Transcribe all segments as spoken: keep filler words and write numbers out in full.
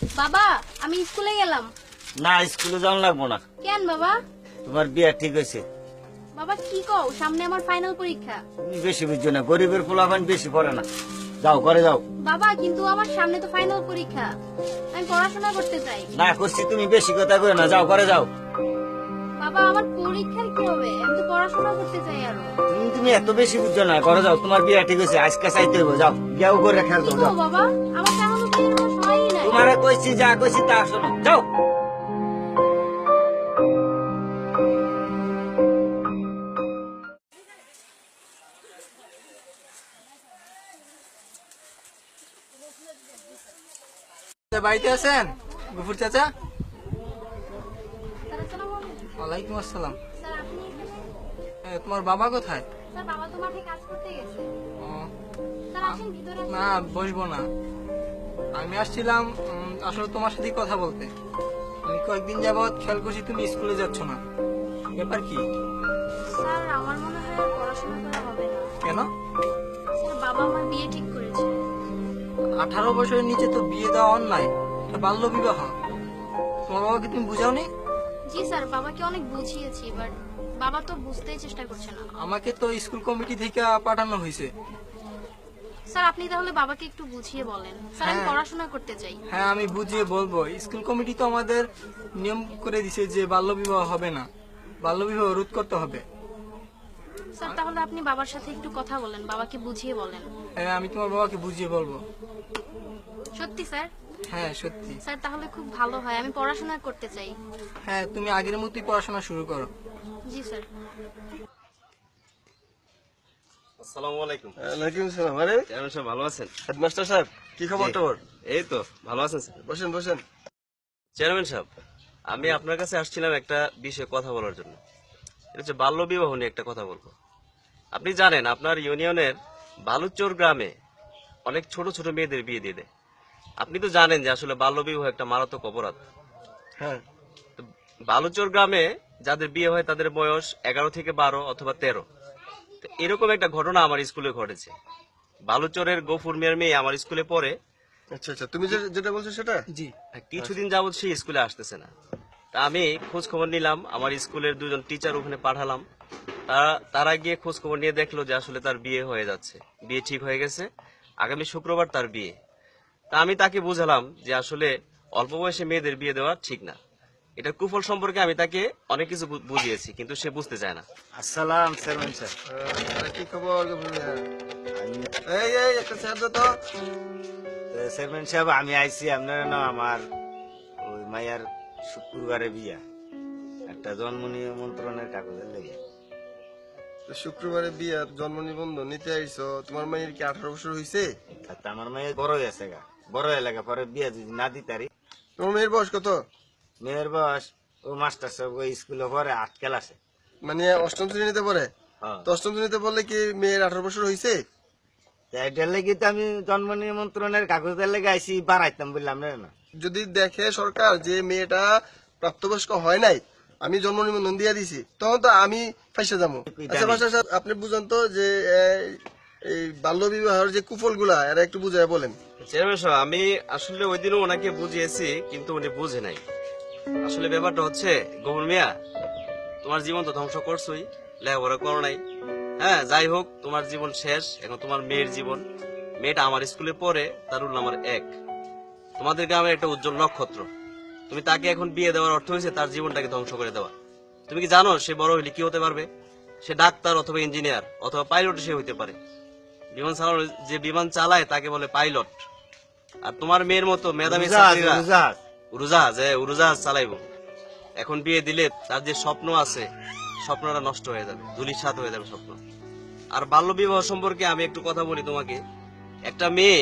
বাবা আমি স্কুলে গেলাম। না স্কুলে যাওয়া লাগবো না, কেন বাবা? তোমার বিয়া ঠিক হয়েছে। বাবা কি কও, সামনে আমার ফাইনাল পরীক্ষা। তুমি বেশি বুঝছো না, গরিবের পোলাপান বেশি পড়ে না। যাও করে যাও। বাবা কিন্তু আমার সামনে তো ফাইনাল পরীক্ষা, আমি পড়াশোনা করতে চাই। না করছি, তুমি বেশি কথা কই না, যাও করে যাও। বাবা আমার পরীক্ষার কি হবে, আমি তো পড়াশোনা করতে চাই আরো। তুমি তুমি এত বেশি বুঝছো না, করে যাও। তোমার বিয়া ঠিক হয়েছে, আজকে চাইতে হইব। যাও বিয়াও করে খেয়াল কি দাও। গো যাও বাবা, আমার তো এখনো বিয়ের কোনো সময়ই নাই। তোমারে কইছি, যা কইছি তা শোনো, যাও। বাড়িতে আছেন গফুর চাচা? স্যার, আসসালামু আলাইকুম। ওয়ালাইকুম আসসালাম। স্যার আপনি এখানে? এ, তোমার বাবা কোথায়? স্যার বাবা তো মাঠে কাজ করতে গেছে। ও, স্যার আসেন ভিতরে আসেন। না বসবো না, আমি আসছিলাম উম, আসলে তোমার সাথে কথা বলতে। আমি কয়েকদিন যাবৎ খেয়াল করছি তুমি স্কুলে যাচ্ছ না, ব্যাপার কি? স্যার আমার মনে হয় আর পড়াশোনা করা হবে না। কেন? স্যার বাবা আমার বিয়ে ঠিক করেছে। আঠারো বছরের নিচে তো বিয়ে দেওয়া অন্যায়, এটা বাল্য বিবাহ। তোমার বাবাকে তুমি বুঝাওনি? জি স্যার, বাবাকে অনেক বুঝিয়েছি, বাট বাবা তো বুঝতেই চেষ্টা করছে না। আমাকে তো স্কুল কমিটি থেকে পাঠানো হয়েছে। স্যার আপনি তাহলে বাবাকে একটু বুঝিয়ে বলেন। স্যার আমি হ্যাঁ। পড়াশোনা করতে চাই। হ্যাঁ আমি বুঝিয়ে বলবো, স্কুল কমিটি তো আমাদের নিয়ম করে দিছে যে বাল্য বিবাহ হবে না, বাল্য বিবাহ রোধ করতে হবে। স্যার তাহলে আপনি বাবার সাথে একটু কথা বলেন, বাবাকে বুঝিয়ে বলেন। হ্যাঁ আমি তোমার বাবাকে বুঝিয়ে বলবো। সত্যি স্যার? হ্যাঁ সত্যি। স্যার তাহলে খুব ভালো হয়, আমি পড়াশোনা করতে চাই। হ্যাঁ তুমি আগের মতোই পড়াশোনা শুরু করো। জি স্যার। আসসালামু আলাইকুম। ওয়ালাইকুম আসসালাম। আরে চেয়ারম্যান সাহেব ভালো আছেন? হেডমাস্টার সাহেব, কি খবর জি। তোর? এই তো ভালো আছেন স্যার। বসেন বসেন। চেয়ারম্যান সাহেব, আমি আপনার কাছে আসছিলাম একটা বিষয়ে কথা বলার জন্য। এটা হচ্ছে বাল্য বিবাহ নিয়ে একটা কথা বলবো। আপনি জানেন আপনার ইউনিয়নের বালুচর গ্রামে অনেক ছোট ছোট মেয়েদের বিয়ে দিয়ে দেয়। আপনি তো জানেন যে আসলে বাল্য বিবাহ একটা মারাত্মক অপরাধ। হ্যাঁ, তো বালুচর গ্রামে যাদের বিয়ে হয় তাদের বয়স এগারো থেকে বারো অথবা তেরো। তো এরকম একটা ঘটনা আমার স্কুলে ঘটেছে। বালুচরের গফুর মিয়ার মেয়ে আমার স্কুলে পড়ে। আচ্ছা আচ্ছা, তুমি যে- যেটা বলছো সেটা? জি। কিছুদিন যাবত সে স্কুলে আসতেছে না। তা আমি খোঁজ খবর নিলাম, আমার স্কুলের দুজন টিচার ওখানে পাঠালাম। তারা তারা গিয়ে খোঁজ খবর নিয়ে দেখলো যে আসলে তার বিয়ে হয়ে যাচ্ছে, বিয়ে ঠিক হয়ে গেছে, আগামী শুক্রবার তার বিয়ে। তা আমি তাকে বুঝালাম যে আসলে অল্প বয়সে মেয়েদের বিয়ে দেওয়া ঠিক না। এটা কুফল সম্পর্কে আমি তাকে অনেক কিছু বু- বুঝিয়েছি, কিন্তু সে বুঝতে চায় না। আসসালাম চেয়ারম্যান সাহেব। আহ, কি খবর গফুর মিয়া? এই এই একটা স্যার তো। তো চেয়ারম্যান সাহেব আমি আইছি আপনার না, আমার ওই মাইয়ার শুক্রবারে বিয়া, একটা জন্ম নিমন্ত্রণের কাগজের লেগে। তো শুক্রবারে বিয়ার জন্ম নিবন্ধন নিতে আইছো, তোমার মায়ের কি আঠারো বছর হয়েছে? তা আমার মায়ের বড় হয়েছে গা, বড় এলাকা পরে বিয়া যদি না দিতারি। তোমার মেয়ের বয়স কত? মেয়ের বয়স ও মাস্টার সাহেব ওই স্কুলে পরে আট ক্লাসে। মানে অষ্টম শ্রেণীতে পড়ে? হ্যাঁ। তো অষ্টম শ্রেণীতে পড়লে কি মেয়ের আঠারো বছর হয়েছে? তা এটার লেগে তো আমি জন্ম নিমন্ত্রণের কাগজের লেগে আইসি, বাড়াইতাম বললাম না। যদি দেখে সরকার যে মেয়েটা প্রাপ্তবয়স্ক হয় নাই, আমি জন্ম নিবন্ধন দিয়ে দিছি, তখন তো আমি ফাইসে যাবো। আচ্ছা মাস্টার সাহেব, আপনি বুঝান তো যে এই, এই বাল্য বিবাহের যে কুফল গুলা এরা একটু বুঝায় বলেন। চেয়ারম্যান সাহেব, আমি আসলে ওই দিনও ওনাকে বুঝিয়েছি, কিন্তু উনি বুঝে নাই। আসলে ব্যাপারটা হচ্ছে গফুর মিয়া, তোমার জীবন তো ধ্বংস করছোই, লেখাপড়া করো নাই। হ্যাঁ যাই হোক, তোমার জীবন শেষ, এখন তোমার মেয়ের জীবন। মেয়েটা আমার স্কুলে পড়ে, তার রোল নাম্বার এক। তোমাদের গ্রামের একটা উজ্জ্বল নক্ষত্র। তুমি তাকে এখন বিয়ে দেওয়ার অর্থ হয়েছে তার জীবনটাকে ধ্বংস করে দেওয়া। তুমি কি জানো সে বড় হলে কি হতে পারবে? সে ডাক্তার অথবা ইঞ্জিনিয়ার অথবা পাইলট সে হইতে পারে। বিমান চালানো, যে বিমান চালায় তাকে বলে পাইলট। আর তোমার মেয়ের মতো মেধাবী ছাত্রীরা উড়োজাহাজ, হ্যাঁ উড়োজাহাজ চালাইবো। এখন বিয়ে দিলে তার যে স্বপ্ন আছে, স্বপ্নটা নষ্ট হয়ে যাবে, ধুলিসাৎ হয়ে যাবে স্বপ্ন। আর বাল্য বিবাহ সম্পর্কে আমি একটু কথা বলি তোমাকে। একটা মেয়ে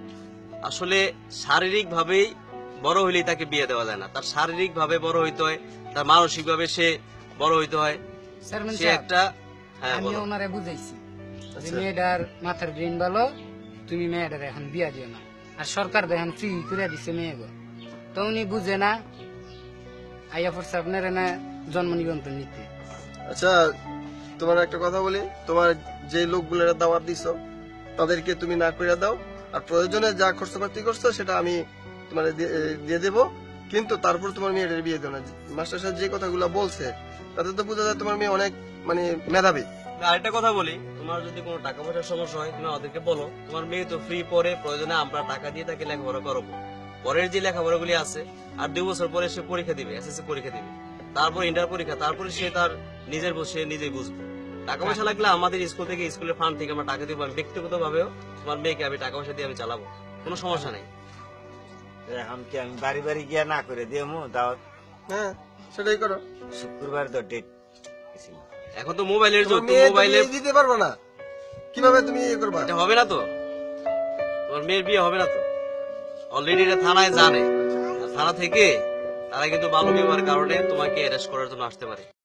আসলে শারীরিক ভাবেই বড় হইলেই তাকে বিয়ে দেওয়া যায় না। তার শারীরিক ভাবে বড় হইতে হয়, তার মানসিক ভাবে সে বড় হইতে হয়। চেয়ারম্যান সে সাহেব, একটা হ্যাঁ আমি বলো। ওনারে বুঝাইছি যে আচ্ছা। মেয়েটার মাথার ব্রেন ভালো, তুমি মেয়েটার এখন বিয়া দিও না। আর সরকার দেখেন ফ্রি করে দিচ্ছে মেয়েগো, তো উনি বুঝে না, আইয়া পড়ছে আপনার না জন্ম নিবন্ধন নিতে। আচ্ছা তোমার একটা কথা বলি, তোমার যে লোকগুলোর দাওয়াত দিছো তাদেরকে তুমি না করে দাও, আর প্রয়োজনে যা খরচপাতি করছো সেটা আমি তোমার দিয়ে দিয়ে দেবো, কিন্তু তারপর তোমার মেয়েটার বিয়ে দেবো না। মাস্টার সাহেব যে কথাগুলো বলছে তাতে তো বোঝা যায় তোমার মেয়ে অনেক মানে মেধাবী। আরেকটা কথা বলি, তোমার যদি কোনো টাকা পয়সার সমস্যা হয় তুমি আমাদেরকে বলো, তোমার মেয়ে তো ফ্রি পড়ে, প্রয়োজনে আমরা টাকা দিয়ে তাকে লেখাপড়া করাবো। পরের যে লেখাপড়াগুলি আছে আর দুই বছর পরে সে পরীক্ষা দিবে, এসএসসি পরীক্ষা দিবে, তারপর ইন্টার পরীক্ষা, তারপরে সে তার নিজের বসে নিজেই বুঝবে। টাকা পয়সা লাগলে আমাদের স্কুল থেকে, স্কুলের ফান্ড থেকে আমরা টাকা দিব। আমি ব্যক্তিগত ভাবেও তোমার মেয়েকে আমি টাকা পয়সা দিয়ে আমি চালাবো, কোনো সমস্যা নেই। এখন কি আমি বাড়ি বাড়ি গিয়া না করে দিমু দাওয়াত? হ্যাঁ সেটাই করো। শুক্রবার তো ডেট এখন তো মোবাইলের যুগ, তোমার মেয়ে তো মোবাইলে বিয়ে দিতে পারবে না, কিভাবে তুমি ইয়ে করবা? এটা হবে না তো, তোমার মেয়ের বিয়ে হবে না তো। অলরেডি এটা থানায় জানে, আর থানা থেকে তারা কিন্তু বাল্য বিবাহের কারণে তোমাকে অ্যারেস্ট করার জন্য আসতে পারে।